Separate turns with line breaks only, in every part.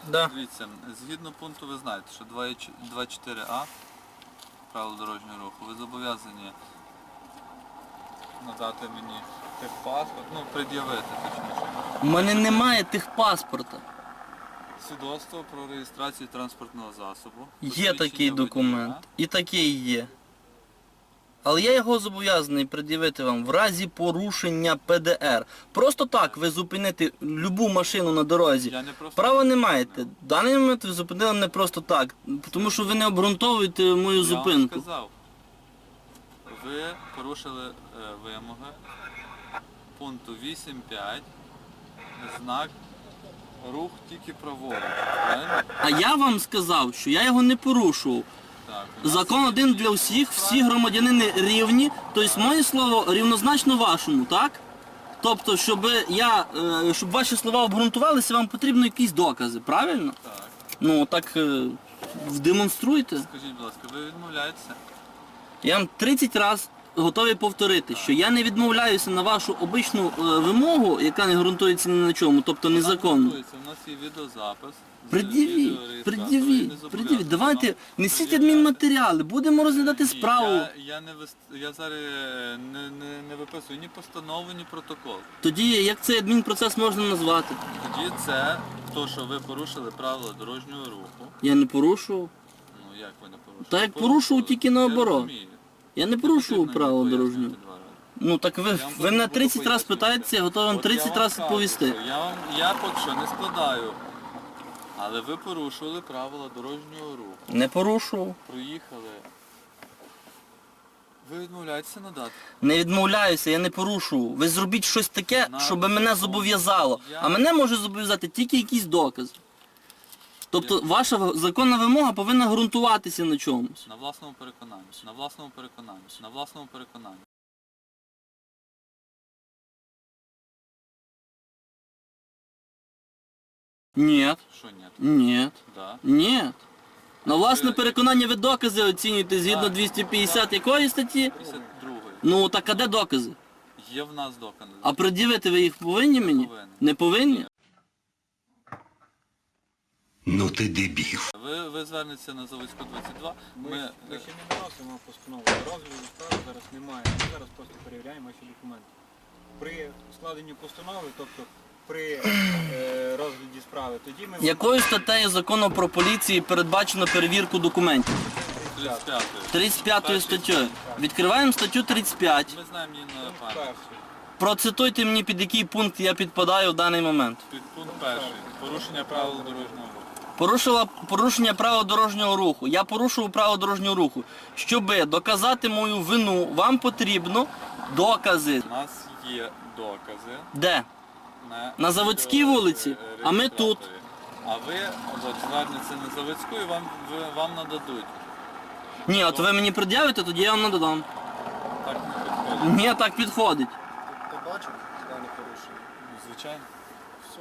Да.
Дивіться, згідно пункту ви знаєте, що 2.4а правил дорожнього руху, ви зобов'язані надати мені техпаспорт, ну, пред'явити точніше.
У мене немає техпаспорта.
Свідоцтво про реєстрацію транспортного засобу.
Є такий
посвідчення
документ.
водія.
І такий є. Але я його зобов'язаний пред'явити вам в разі порушення ПДР. Просто так ви зупинити любу машину на дорозі.
Я не просто
Права не маєте. В даний момент ви зупинили мене просто так. Тому що ви не обґрунтовуєте мою
Я
зупинку.
вам сказав, ви порушили вимоги пункту 8.5, знак рух тільки праворуч. Правильно?
А я вам сказав, що я його не порушував.
Так, у нас
Закон один для всіх, всі громадянини рівні, тобто моє слово рівнозначно вашому, так? Тобто, щоб ваші слова обґрунтувалися, вам потрібно якісь докази, правильно?
Так.
Ну так демонструйте.
Скажіть, будь ласка, ви відмовляєтеся?
Я вам 30 разів готовий повторити, що я не відмовляюся на вашу обичну вимогу, яка не ґрунтується ні на чому, тобто незаконно.
У нас є відеозапис. з
Пред'явіть,
відеореєстратора,
пред'явіть,
і не зобов'язаний
пред'явіть. Давайте,
вам
несіть
пред'являти.
адмінматеріали, будемо розглядати
Ні,
справу.
Я зараз не виписую ні постанову, ні протокол.
Тоді як цей адмінпроцес можна назвати?
Тоді це то, що ви порушили правила дорожнього руху.
Я не порушував.
Ну як ви не порушили?
Та як порушував, тільки наоборот.
Я розумію.
Я не
Не
порушував
потрібно
правила
мені
дорожнього.
пояснювати два рази.
Ну так ви
Я вам
мене
буду
30 разів
пояснювати.
питаєте, я готовий вам
От я
30
вам
разів
кажу,
відповісти.
що Я поки що не складаю. Але ви порушили правила дорожнього руху.
Не порушував.
Проїхали. Ви відмовляєтеся надати?
Не відмовляюся, я не порушував. Ви зробіть щось таке, щоб мене зобов'язало. А мене може зобов'язати тільки якийсь доказ. Тобто ваша законна вимога повинна ґрунтуватися на чомусь.
На власному переконанні. На власному переконанні. На власному переконанні.
Ні,
Що ні?
ні,
Да.
ні. На власне переконання ви докази оцінюєте згідно 250 якої статті?
52-ї.
Ну так а де докази?
Є в нас докази.
А пред'явити ви їх повинні мені?
повинен.
Не повинні?
Ну ти дебіл.
Ви звернетеся на Заводську 22.
Ми ще не вносимо постанову. Розгляду справи зараз немає. Ми зараз просто перевіряємо ваші документи. При складенні постанови, тобто при розгляді справи, тоді ми...
Якою статтею закону про поліцію передбачено перевірку документів?
35-ї.
35 статтею. Відкриваємо статтю 35.
Ми знаємо її на пам'ять.
Перший.
Процитуйте мені, під який пункт я підпадаю в даний момент.
Підпункт 1. Порушення правил дорожнього руху.
Порушення правил дорожнього руху. Я порушував правила дорожнього руху. Щоб доказати мою вину, вам потрібно докази.
У нас є докази.
Де? На Заводській вулиці, а ми тут.
А ви от, звернетеся на Заводську і вам нададуть.
Ні, от ви мені пред'явите, тоді я вам нададам.
Так не підходить.
Ні, так підходить.
Ти бачив дане порушення?
Звичайно.
Все.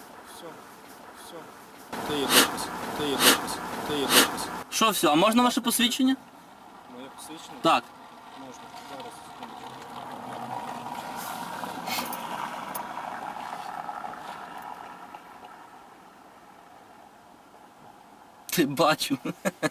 Ти є доказ. Ти є доказ.
Що все, а можна ваше посвідчення?
Моє посвідчення?
Так.
Можна. Зараз.
Ти бачу.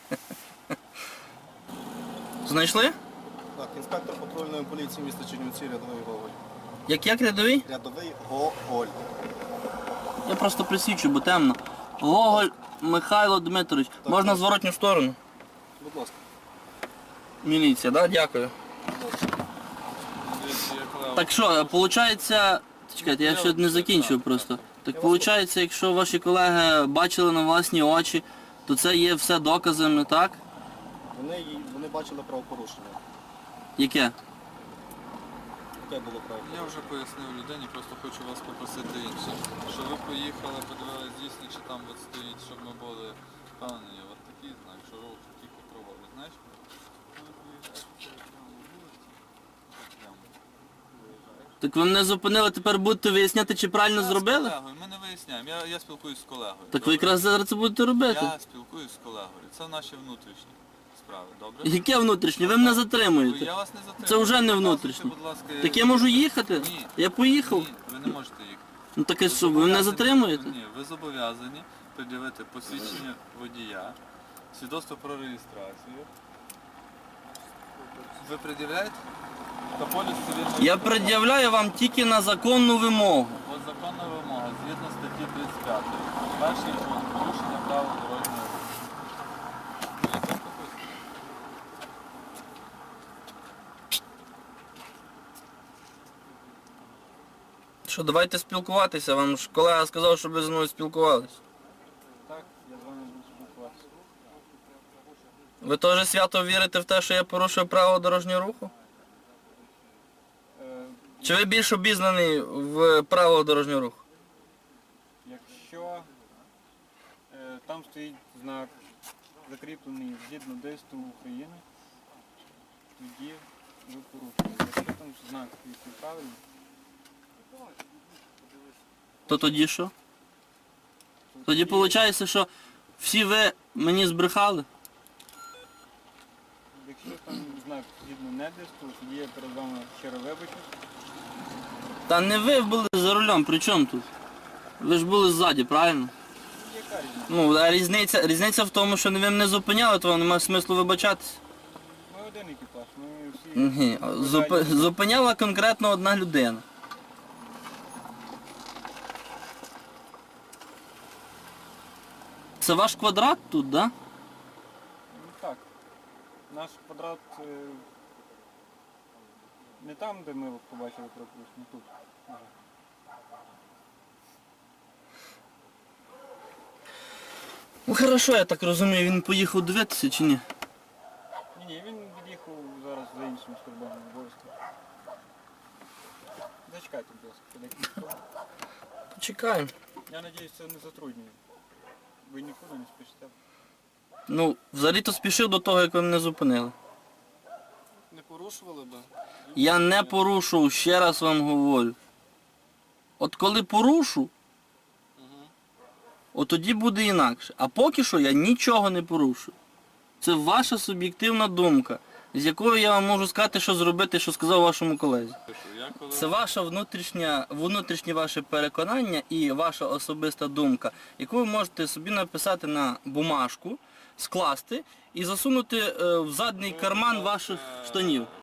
Знайшли?
Так, інспектор патрульної поліції міста Чернівці, рядовий Гоголь.
Як рядовий?
Рядовий Гоголь.
Я просто присвічу, бо темно. Гоголь Михайло Дмитрович. Можна в зворотню сторону?
Будь ласка.
Міліція, так? Да? Дякую.
Дивіться, я колега.
Так що, виходить... Чекайте, я ще не закінчив просто. Так виходить, якщо ваші колеги бачили на власні очі, то це є все доказами, так?
Вони бачили правопорушення.
Яке?
Яке було правопорушення?
Я вже пояснив людині, просто хочу вас попросити інше. Що ви поїхали, подивилися дійсно, чи там от стоїть, щоб ми були впевнені. От такий знак, що рух тільки проводить. Знаєш?
Так ви мене зупинили, тепер будете виясняти, чи правильно зробили?
З колегою, ми не виясняємо. Я спілкуюсь з колегою.
Так ви
Добре?
якраз зараз це будете робити.
Я спілкуюсь з колегою. Це наші внутрішні справи, добре?
Яке внутрішнє? Ви мене затримуєте.
Я вас не затримую.
Це вже не
Показуйте,
внутрішнє.
будь ласка,
Так я можу їхати?
Ні.
Я поїхав.
Ні, ви не можете їхати.
Ну так і що, ви мене затримуєте?
Ні, ви зобов'язані пред'явити посвідчення водія, свідоцтво про реєстрацію. Ви пред'являєте? Та поліс цивільного
Я
кодексу.
пред'являю вам тільки на законну вимогу.
От законна вимога, згідно статті 35. Перший пункт порушення правил дорожнього руху. Ну, я так написано.
Що, давайте спілкуватися. Вам ж колега сказав, щоб ви зі мною спілкувалися.
Так, я з вами буду спілкуватися.
Ви теж свято вірите в те, що я порушую правила дорожнього руху?
Е,
Чи ви більш обізнаний в правилах дорожнього руху?
Якщо там стоїть знак, закріплений згідно ДСТУ України, тоді ви порушуєте. Якщо там знак стоїть неправильно,
То тоді що? Тоді виходить, що всі ви мені збрехали?
якщо там знак згідно не ДСТУ, тоді я перед вами щиро вибачусь.
Та не ви були за рулем, при чому тут? Ви ж були ззаді, правильно?
Яка різниця?
Ну, а різниця в тому, що ви мене зупиняли, то вам немає смислу вибачатися.
Ми один екіпаж, ми всі...
Ні, зупиняла конкретно одна людина. Це ваш квадрат тут, да?
Ну, так. Наш квадрат не там, де ми побачили пропуск, не тут. Ага.
Ну хорошо, я так розумію, він поїхав дивитися чи ні?
Ні, він від'їхав зараз за іншим службовим обов'язком. Зачекайте, будь ласка, подекілька хвилин.
Почекаємо.
Я сподіваюся, це не затруднює. Ви нікуди не спішите.
Ну, взагалі-то спішив до того, як ви мене зупинили.
Не порушували би?
Я не порушував, ще раз вам говорю. От коли порушу, от тоді буде інакше. А поки що я нічого не порушую. Це ваша суб'єктивна думка, з якою я вам можу сказати, що зробити, що сказав вашому колезі.
Я коли...
Це ваше внутрішнє ваше переконання і ваша особиста думка, яку ви можете собі написати на бумажку, скласти і засунути в задній карман ваших штанів.